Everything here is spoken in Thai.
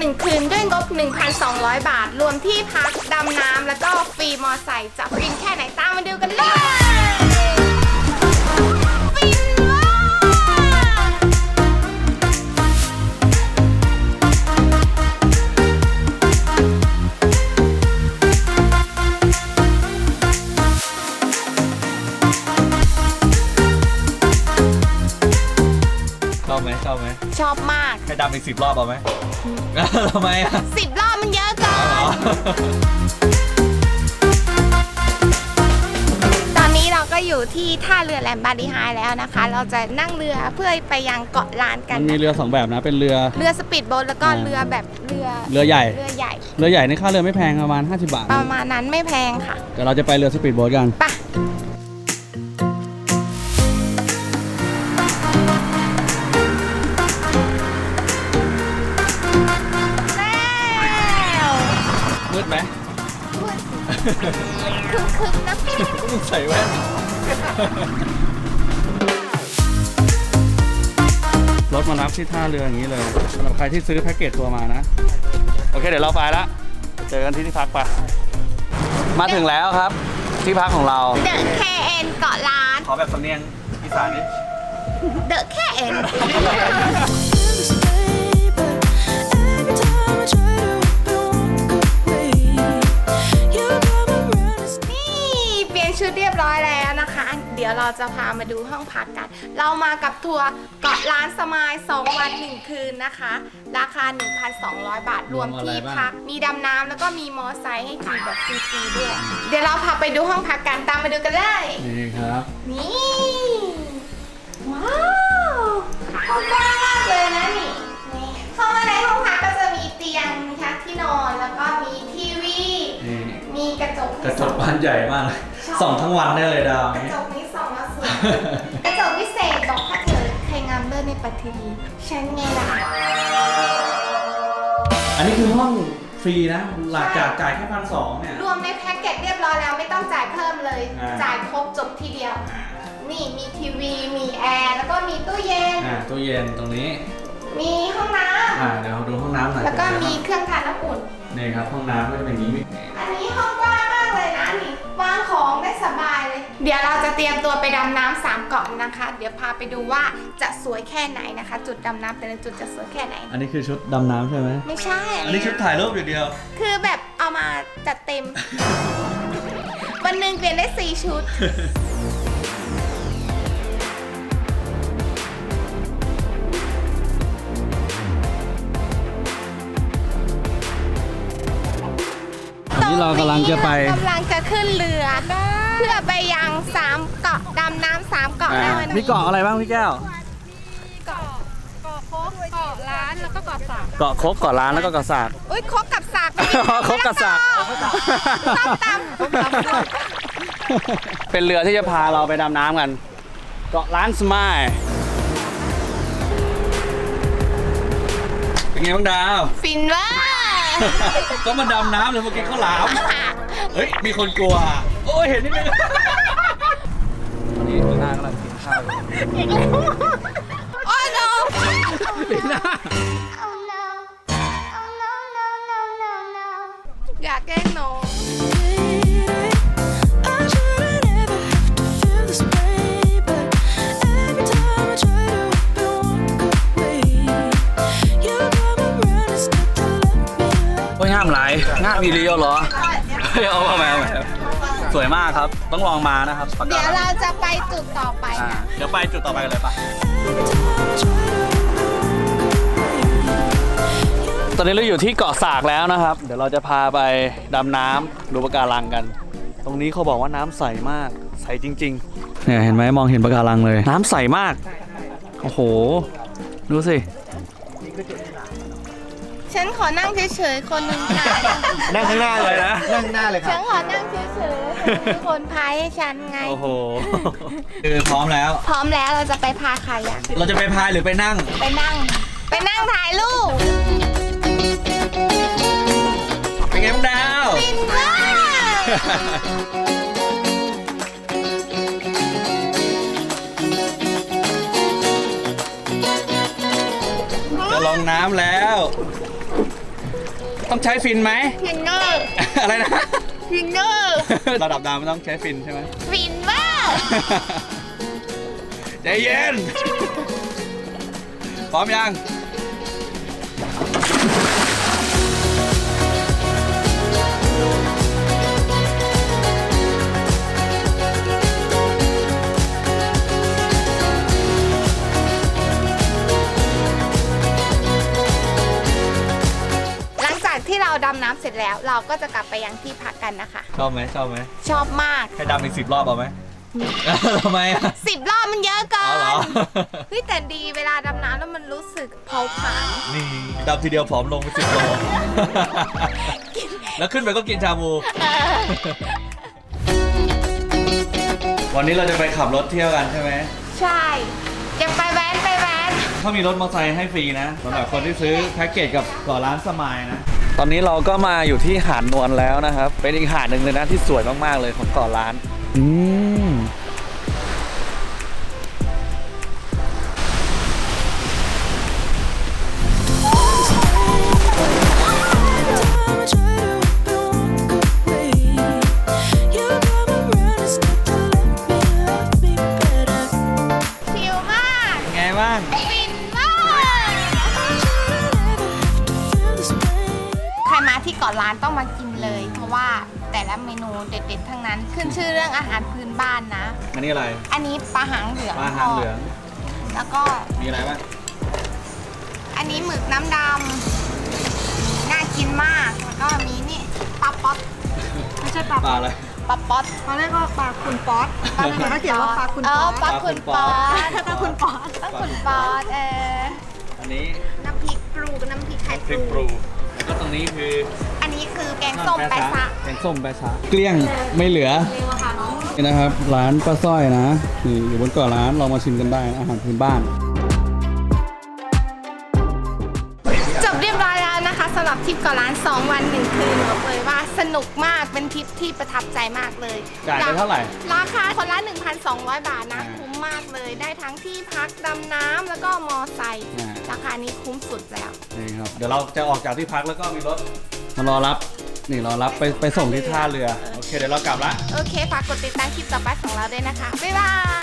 1 คืนด้วยงบ 1,200 บาทรวมที่พักดำน้ำแล้วก็ฟรีมอไซค์จะฟินแค่ไหนตามมาดูกันเลยฟินมากชอบไหมชอบมากให้ดำอีก10 รอบเอาไหม ทำไมอ่ะ 10 รอบมันเยอะเกินตอนนี้เราก็อยู่ที่ท่าเรือแหลมบาลีไฮแล้วนะคะ เราจะนั่งเรือเพื่อไปยังเกาะล้านกัมัน นมีเรือ2แบบนะเป็นเรือสปีดโบ๊ทแล้วก็เรือแบบเรือใหญ่เรือใหญ่เรือใหญ่ในค่าเรือไม่แพงประมาณ50 บาทประมาณนั้นไม่แพงค่ะแต่เราจะไปเรือสปีดโบ๊ทกันไปแล้วมืดไหมพูดคึกๆนะพี่ก็มึงใส่แว่นรถมารับที่ท่าเรืออย่างนี้เลยสำหรับใครที่ซื้อแพ็กเกจตัวมานะโอเคเดี๋ยวเราไปละเจอกันที่พักไปมาถึงแล้วครับที่พักของเราเดอะแคเอ็นเกาะล้านขอแบบสำเนียงอีสานนิดเดอะแคเอ็นนี่เปลี่ยนชุดเรียบร้อยแล้วนะคะ เดี๋ยวเราจะพามาดูห้องพักกัน เรามากับทัวร์เกาะล้านสมาย2 วัน 1 คืนนะคะ ราคา 1,200 บาทรวมที่พัก มีดำน้ำแล้วก็มีมอไซค์ให้ขี่แบบฟรีๆด้วย เดี๋ยวเราพาไปดูห้องพักกันตามมาดูกันเลยนี่ครับนี่ ว้าวห้องกว้างมากเลยนะนี่เข้ามาในห้องพักก็จะมีเตียงนะคะที่นอนแล้วก็มีทีวีนี่มีกระจกกระจกบานใหญ่มากส่องทั้งวันได้เลยดาวกระจกนี้ส่องมาสวยกระจกพิเศษบอกถ้าเธอใครงามเลิศในปัทวีฉันไงล่ะอันนี้คือห้องฟรีนะหลังจากจ่ายแค่1,200เนี่ยรวมในแพ็กเกจเรียบร้อยแล้วไม่ต้องจ่ายเพิ่มเลย จ่ายครบจบทีเดียว นี่มีทีวีมีแอร์แล้วก็มีตู้เย็นตู้เย็นตรงนี้มีห้องน้ำเดี๋ยวดูห้องน้ำหน่อยแล้วก็มีเครื่องทานน้ำอุ่นนี่ครับห้องน้ำก็จะเป็นอย่างนี้อันนี้ห้องกว้างมากเลยนะนี่วางของได้สบายเลย เดี๋ยวเราจะเตรียมตัวไปดำน้ำ3 เกาะนะคะ เดี๋ยวพาไปดูว่าจะสวยแค่ไหนนะคะ จุดดำน้ำแต่ละจุดจะสวยแค่ไหนอันนี้คือชุดดำน้ำใช่ไหมไม่ใช่อันนี้ชุดถ่ายรูปอย่างเดียวคือแบบเอามาจัดเต็ม วันหนึ่งเปลี่ยนได้4 ชุดอันนี้เรากำลังจะไปกำลังจะขึ้นเรือ เพื่อไปยัง3 เกาะดำน้ำ3 เกาะในวันนี้มีเกาะอะไรบ้างพี่แก้วเกาะโคกเกาะล้านแล้วก็เกาะสากเกาะคกเกาะล้านแล้วก็เกาะสากอุ้ยคบกับสากคบกับสากส้มตำเป็นเรือที่จะพาเราไปดำน้ำกัน เกาะล้านสมายเป็นไงบ้างดาวฟินเวอร์ก็มาดำน้ำเลยเมื่อกี้ข้าวหลาม เฮ้ย มีคนกลัว โอ้ย เห็นนิดนึงตอนนี้ลีน่ากำลังกินข้าวอยู่โอ้ยโนลีน่าอยากแกล้งน้องโอ้ยงามหลายงามอีเลียวเหรอเฮ้ยเอามาสวยมากครับ ต้องลองมานะครับปากเดี๋กายวเราจะไปจุดต่อไปเดี๋ยวไปจุดต่อไปกันเลยปะตอนนี้เราอยู่ที่เกาะสากแล้วนะครับ เดี๋ยวเราจะพาไปดำน้ำดูปะการังกัน ตรงนี้เขาบอกว่าน้ำใสมาก ใสจริงๆเนี่ยเห็นไหมมองเห็นปะการังเลย น้ำใสมาก โอ้โห ดูสิฉันขอนั่งเฉยๆคนหนึ่งค่ะนั่งข้างหน้าเลยนะนั่งหน้าเลยคฉัรันบขอนั่งเฉยๆมีคนพายให้ฉันไงโอ้โหคือพร้อมแล้วพร้อมแล้วเราจะไปพาใครอะเราจะไปพายหรือไปนั่งไปนั่งถ่ายรูปเป็นไงบ้างดาวฟินมากจะลงน้ำแล้วต้องใช้ฟินไหมฟินเนอร์อะไรนะฟินเนอร์ระดับดาวไม่ต้องใช้ฟินใช่ไหมฟินมากใจเย็น พร้อมยังหลังจากที่เราดำน้ำเสร็จแล้ว เราก็จะกลับไปยังที่พักกันนะคะชอบไหมชอบไหมชอบมากให้ดำอีก10 รอบเอาไหม ทำไมอ่ะ 10 รอบมันเยอะเกิเอาเหรอนเฮ้ยแต่ดีเวลาดำน้ำแล้วมันรู้สึกเผาผลาญนี่ดำทีเดียวผอมลงไป10 โล แล้วขึ้นไปก็กินชาบู วันนี้เราจะไปขับรถเที่ยวกันใช่ไหมใช่จะไปแว้นไปแว้นเขามีรถมอเตอร์ไซค์ให้ฟรีนะสำหรับคนที่ซื้อแพ็กเกจกับเกาะล้านสมายนะ ตอนนี้เราก็มาอยู่ที่หาดนวลแล้วนะครับ เป็นอีกหาดหนึ่งเลยนะที่สวยมากๆเลยของเกาะล้านชิลมากไงบ้างฟินมาก ใครมาที่เกาะล้านต้องมากินเลย เพราะว่าแต่ละเมนูเด็ดๆทั้งนั้น ขึ้นชื่อเรื่องอาหารพื้นบ้านนะอันนี้อะไรอันนี้ปลาหางเหลืองปลาหางเหลืองแล้วก็มีอะไรบ้างอันนี้หมึกน้ำดำน่ากินมาก แล้วก็มีนี่ปลาป๊อตไม่ใช่ปลาปลาอะไรปลาป๊อตตอนแรกก็ปลาคุณป๊อตตอนนั้นก็เขียนว่าปลาคุณเอป๊ออตปลาขุนป๊อตปลาคุณป๊อตปลาขุนป๊อตอันนี้น้ำพริกปลูกับน้ำพริกไข่พริกปรูแล้วก็ตรงนี้คืออันนี้คือแกงส้มแปะซะแกงส้มแปะซะเกลี้ยงไม่เหลือเร็วค่ะน้องนี่นะครับร้านป้าสร้อยนะนี่อยู่บนเกาะร้านลองมาชิมกันได้นะอาหารพื้นบ้านจบเรียบร้อยแล้วนะคะสำหรับทริปเกาะล้าน 2 วัน 1 คืนบอกเลยว่าสนุกมากเป็นทริปที่ประทับใจมากเลยจ่ายไปเท่าไหร่ราคาคนละ 1,200 บาทนะอ่าคุ้มมากเลยได้ทั้งที่พักดำน้ำแล้วก็มอไซค์อ่าราคานี้คุ้มสุดแล้วนี่ครับ เดี๋ยวเราจะออกจากที่พักแล้วก็มีรถมารอรับ นี่รอรับไปส่งที่ท่าเรือ โอเค เดี๋ยวเรากลับละโอเค ฝากกดติดตามคลิปต่อไปของเราด้วยนะคะ บ๊ายบาย